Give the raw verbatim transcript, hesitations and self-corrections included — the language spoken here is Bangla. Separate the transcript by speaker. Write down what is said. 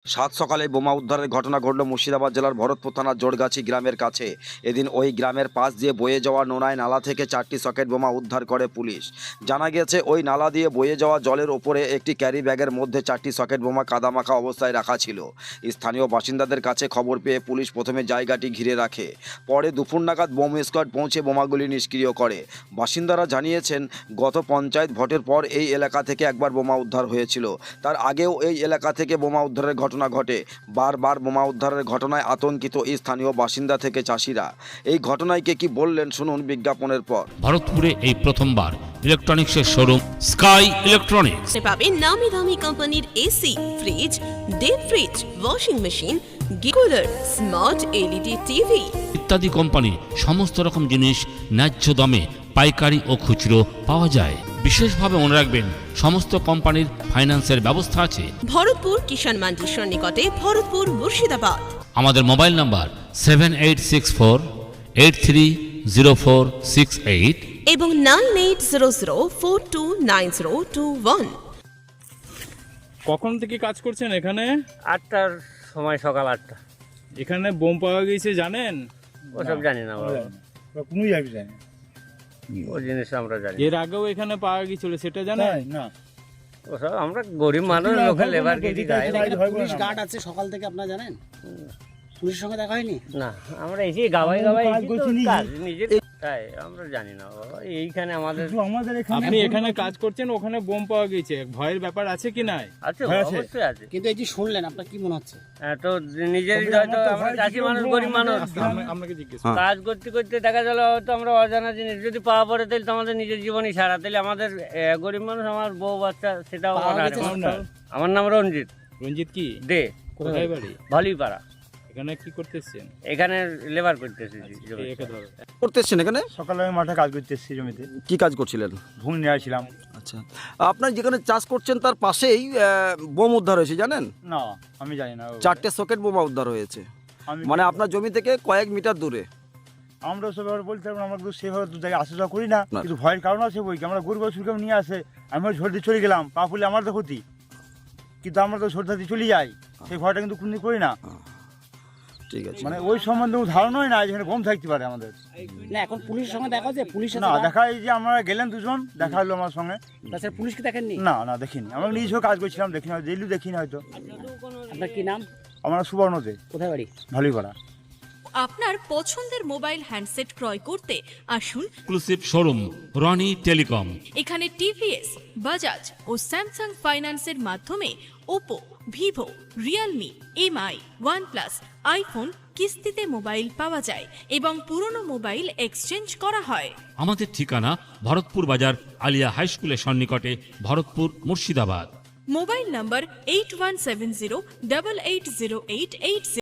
Speaker 1: সাত সকালে বোমা উদ্ধারের ঘটনা ঘটল মুর্শিদাবাদ জেলার ভরতপুর থানার জোড়গাছি গ্রামের কাছে। এদিন ওই গ্রামের পাশ দিয়ে বয়ে যাওয়া নোনায় নালা থেকে চারটি সকেট বোমা উদ্ধার করে পুলিশ। জানা গেছে ওই নালা দিয়ে বয়ে যাওয়া জলের ওপরে একটি ক্যারি ব্যাগের মধ্যে চারটি সকেট বোমা কাদামাখা অবস্থায় রাখা ছিল। স্থানীয় বাসিন্দাদের কাছে খবর পেয়ে পুলিশ প্রথমে জায়গাটি ঘিরে রাখে, পরে দুপুর নাগাদ বোম স্কোয়াড পৌঁছে বোমাগুলি নিষ্ক্রিয় করে। বাসিন্দারা জানিয়েছেন, গত পঞ্চায়েত ভোটের পর এই এলাকা থেকে একবার বোমা উদ্ধার হয়েছিল। তার আগেও এই এলাকা থেকে বোমা উদ্ধারের ঘটনা ঘটে। বারবার বোমা উদ্ধারের ঘটনায় আতঙ্কিত স্থানীয় বাসিন্দা থেকে চাষিরা। এই ঘটনাকে কি বললেন শুনুন বিজ্ঞাপনের পর।
Speaker 2: ভারতপুরে এই প্রথমবার ইলেকট্রনিক্সের শোরুম স্কাই ইলেকট্রনিক্স
Speaker 3: পাবেন নামি দামি কোম্পানির AC, fridge, deep fridge, washing machine, cooler, smart LED TV
Speaker 2: ইত্যাদি কোম্পানি সমস্ত রকম জিনিস ন্যায্য দামে পাইকারি ও খুচরো পাওয়া যায়। বিশেষভাবে মনে রাখবেন, সমস্ত কোম্পানির ফাইন্যান্সের ব্যবস্থা আছে।
Speaker 3: ভরতপুর কিষাণ মান্ডির সন্নিকটে, ভরতপুর, মুর্শিদাবাদ।
Speaker 2: আমাদের mobile number seven eight six four eight three zero four six eight
Speaker 3: এবং nine eight zero zero four two nine zero two one.
Speaker 4: কখন থেকে কাজ করছেন এখানে?
Speaker 5: আটটার সময়, সকাল আটটা।
Speaker 4: এখানে বোম পাওয়া গেছে জানেন?
Speaker 5: ওসব জানি না বাবা,
Speaker 6: কোনো জায়গায় জানি
Speaker 5: ওই জিনিস আমরা জানি
Speaker 4: এর আগেও এখানে পাওয়া গেছিল, সেটা জানেন?
Speaker 6: না।
Speaker 5: ওসব আমরা গরিব মানুষ, লোকে লেবার গেছি গায়ে।
Speaker 7: পুলিশ গার্ড আছে সকাল থেকে, আপনারা জানেন? পুলিশের সঙ্গে দেখা হয়নি?
Speaker 5: না, আমরা এসে গাওয়াই গাওয়াই
Speaker 6: কাজ করছি নিজে।
Speaker 5: নিজের তাই আমরা জানি না বাবা। এইখানে আমাদের
Speaker 6: কিন্তু আমাদের এখানে
Speaker 4: আপনি এখানে কাজ করছেন, ওখানে বোম পাওয়া গেছে, ভয়ের ব্যাপার আছে কি নাই?
Speaker 5: আছে,
Speaker 6: হ্যাঁ, আছে।
Speaker 5: অবশ্যই আছে।
Speaker 7: কিন্তু এই যে শুনলেন, আপনার কি মনে হচ্ছে?
Speaker 5: হ্যাঁ, তো নিজেরই হয়তো আমরা চাষি মানুষ, গরিব মানুষ,
Speaker 4: আমরা- আপনাকে জিজ্ঞেস
Speaker 1: হ্যাঁ।
Speaker 5: কাজ করতে করতে দেখা গেল হয়তো আমরা অজানা জিনিস যদি পাওয়া পড়ে, তাহলে তো আমাদের নিজের জীবনই সারা। তাহলে আমাদের এ, গরিব মানুষ, আমার বউ বাচ্চা, সেটাও
Speaker 7: পাওয়া
Speaker 5: অনাহারে
Speaker 7: গেছে
Speaker 5: মানুষ।
Speaker 4: আপনার?
Speaker 5: আমার নাম রঞ্জিত
Speaker 4: রঞ্জিত কি
Speaker 5: দে,
Speaker 4: কোথায় বাড়ি?
Speaker 5: ভালিপাড়া।
Speaker 4: এখানে কি করতেছেন?
Speaker 5: এখানে লেবার করতেছি।
Speaker 4: একে ধরো।
Speaker 1: করতেছেন এখানে?
Speaker 6: সকালে আমি মাঠে কাজ করতে এসেছি, জমিতে
Speaker 1: কি কাজ করছিলেন?
Speaker 6: ভুল নিয়ে আসছিলাম।
Speaker 1: আচ্ছা, আপনার যেখানে চাষ করছেন তার পাশেই আহ, বোম উদ্ধার হয়েছে জানেন?
Speaker 6: না, আমি জানি না।
Speaker 1: চারটে সকেট বোমা উদ্ধার হয়েছে,
Speaker 6: আমি
Speaker 1: মানে আপনার জমি থেকে কয়েক মিটার দূরে।
Speaker 6: আমরা সব ব্যাপারে বলতে পারবো না, আমরা তো সেভাবে তো জায়গায় আসা যাওয়া করি না,
Speaker 1: না।
Speaker 6: কিন্তু ভয়ের কারণ আছে বই কি। আমরা গরিব সুরকে নিয়ে আসে, আমি ঝড়তে চলে গেলাম, পা ফুলে আমার তো ক্ষতি, কিন্তু আমরা তো সরতে চলে যাই, সেই ভয়টা কিন্তু কোনদিন করি না।
Speaker 1: ঠিক আছে,
Speaker 6: মানে ওই সম্বন্ধে ধারণাই না যেখানে বোম থাকতে পারে আমাদের।
Speaker 7: না, এখন পুলিশের সঙ্গে দেখা হচ্ছে? পুলিশের
Speaker 6: না, দেখা এই যে আমরা গেলেন দুজন, দেখা হলো আমার সঙ্গে।
Speaker 7: তাছাড়া পুলিশকে দেখেননি?
Speaker 6: না না, দেখিনি। আমরা নিজেও কাজ করছিলাম, দেখিনি, ডেইলি দেখিনি হয়তো।
Speaker 7: আপনার কি নাম?
Speaker 6: আমরা সুবর্ণতে,
Speaker 7: কোথায় বাড়ি?
Speaker 6: ভালোই করা।
Speaker 8: আপনার পছন্দের মোবাইল হ্যান্ডসেট ক্রয় করতে আসুন
Speaker 2: এক্সক্লুসিভ শোরুম রনি টেলিকম।
Speaker 8: এখানে টিভিএস, বাজাজ ও স্যামসাং ফাইন্যান্সের মাধ্যমে Oppo, Vivo, Realme, MI, OnePlus, iPhone কিস্তিতে মোবাইল পাওয়া যায় এবং পুরনো মোবাইল এক্সচেঞ্জ করা হয়।
Speaker 2: আমাদের ঠিকানা ভরতপুর বাজার আলিয়া হাই স্কুলের সন্নিকটে, Bharatpur, Murshidabad.
Speaker 8: Mobile number eight one seven zero double eight zero eight eight